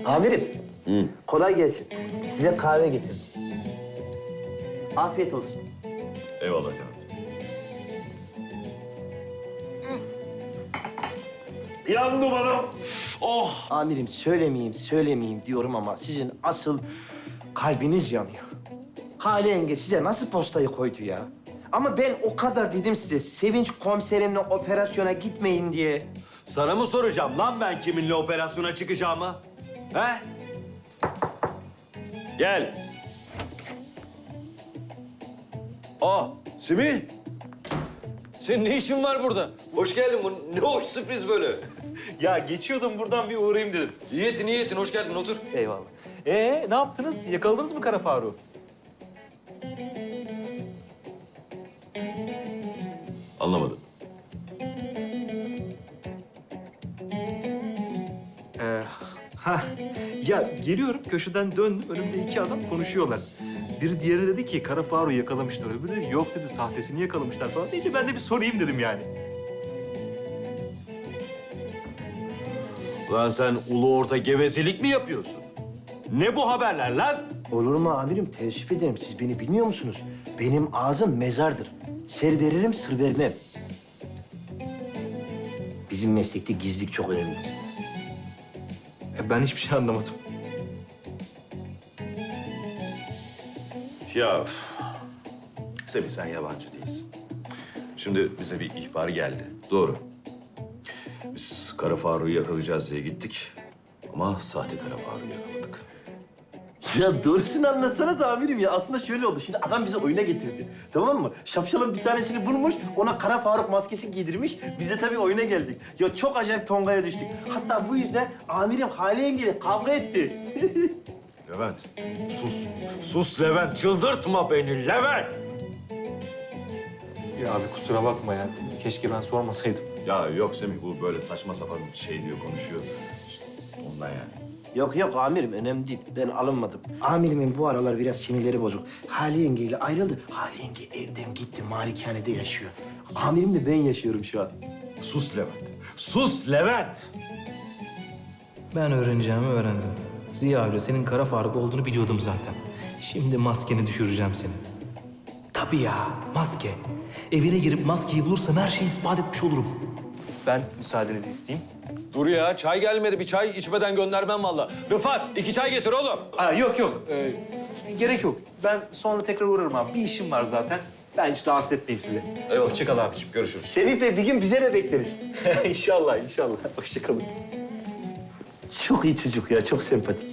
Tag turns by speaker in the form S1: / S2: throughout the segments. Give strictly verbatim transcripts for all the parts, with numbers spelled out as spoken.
S1: Amirim,
S2: Hı.
S1: kolay gelsin. Size kahve getirdim. Afiyet olsun.
S2: Eyvallah canım. Yandım adam. Oh.
S1: Amirim söylemeyeyim, söylemeyeyim diyorum ama sizin asıl kalbiniz yanıyor. Hale yenge size nasıl postayı koydu ya? Ama ben o kadar dedim size Sevinç komiserimle operasyona gitmeyin diye.
S2: Sana mı soracağım lan ben kiminle operasyona çıkacağımı? He? Gel. Aa, Semih. Senin ne işin var burada? Hoş geldin. Bu ne hoş sürpriz böyle.
S3: Ya geçiyordum buradan bir uğrayayım dedim.
S2: İyi ettin, iyi ettin. Hoş geldin. Otur.
S3: Eyvallah. Ee ne yaptınız? Yakaladınız mı Kara Faruk'u?
S2: Anlamadım.
S3: Ee, ha ya geliyorum köşeden döndüm önümde iki adam konuşuyorlar. Biri diğeri dedi ki Kara Faruk'u yakalamışlar. Öbürü dedi yok dedi sahtesini yakalamışlar falan deyince ben de bir sorayım dedim yani.
S2: Lan sen ulu orta gevezelik mi yapıyorsun? Ne bu haberler lan?
S1: Olur mu amirim? Teessüf ederim. Siz beni bilmiyor musunuz? Benim ağzım mezardır. Ser veririm, sır vermem. Bizim meslekte gizlilik çok önemlidir.
S3: E, ben hiçbir şey anlamadım.
S2: Ya üf. Semih sen yabancı değilsin. Şimdi bize bir ihbar geldi. Doğru. Biz Kara Faruk'u yakalayacağız diye gittik. Ama sahte Kara Faruk'u yakaladık.
S1: Ya doğrusunu anlatsana da amirim ya. Aslında şöyle oldu. Şimdi adam bizi oyuna getirdi. Tamam mı? Şapşalın bir tanesini bulmuş, ona Kara Faruk maskesi giydirmiş. Biz de tabii oyuna geldik. Ya çok acayip tongaya düştük. Hatta bu yüzden amirim Hale yengeyle kavga etti.
S2: Levent, sus. Sus Levent, çıldırtma beni Levent!
S3: Ya abi kusura bakma ya. Keşke ben sormasaydım.
S2: Ya yok Semih, bu böyle saçma sapan bir şey diyor, konuşuyor. İşte ondan yani.
S1: Yok yok amirim önemli değil. Ben alınmadım. Amirimin bu aralar biraz sinirleri bozuk. Hale yengeyle ayrıldı. Hale yenge evden gitti. Malikanede yaşıyor. Amirim de ben yaşıyorum şu an.
S2: Sus Levent, sus Levent!
S3: Ben öğreneceğimi öğrendim. Ziya Avcı senin Kara Faruk olduğunu biliyordum zaten. Şimdi maskeni düşüreceğim seni. Tabii ya, maske. Evine girip maskeyi bulursam her şeyi ispat etmiş olurum. Ben müsaadenizi isteyeyim.
S2: Dur ya, çay gelmedi. Bir çay içmeden göndermem vallahi. Rıfat, iki çay getir oğlum.
S3: Aa, yok yok, ee, gerek yok. Ben sonra tekrar uğrarım abi. Bir işim var zaten. Ben hiç rahatsız etmeyeyim sizi.
S2: Eyvallah.
S3: Hoşça kal abiciğim.
S2: Görüşürüz.
S1: Semih Bey bir gün bize de bekleriz.
S3: inşallah, inşallah. Hoşça kalın.
S1: Çok iyi çocuk ya, çok sempatik.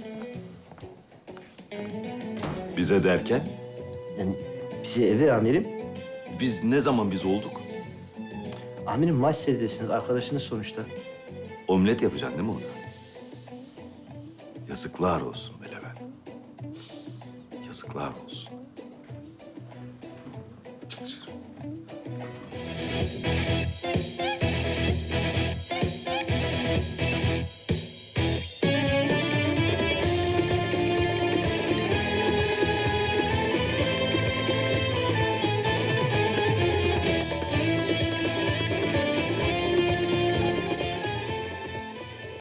S2: Bize derken,
S1: Yani bize eve amirim.
S2: biz ne zaman biz olduk?
S1: Amirim maç seyredesiniz, arkadaşınız sonuçta.
S2: Omlet yapacaksın değil mi ona? Yazıklar olsun be Levent. Yazıklar olsun.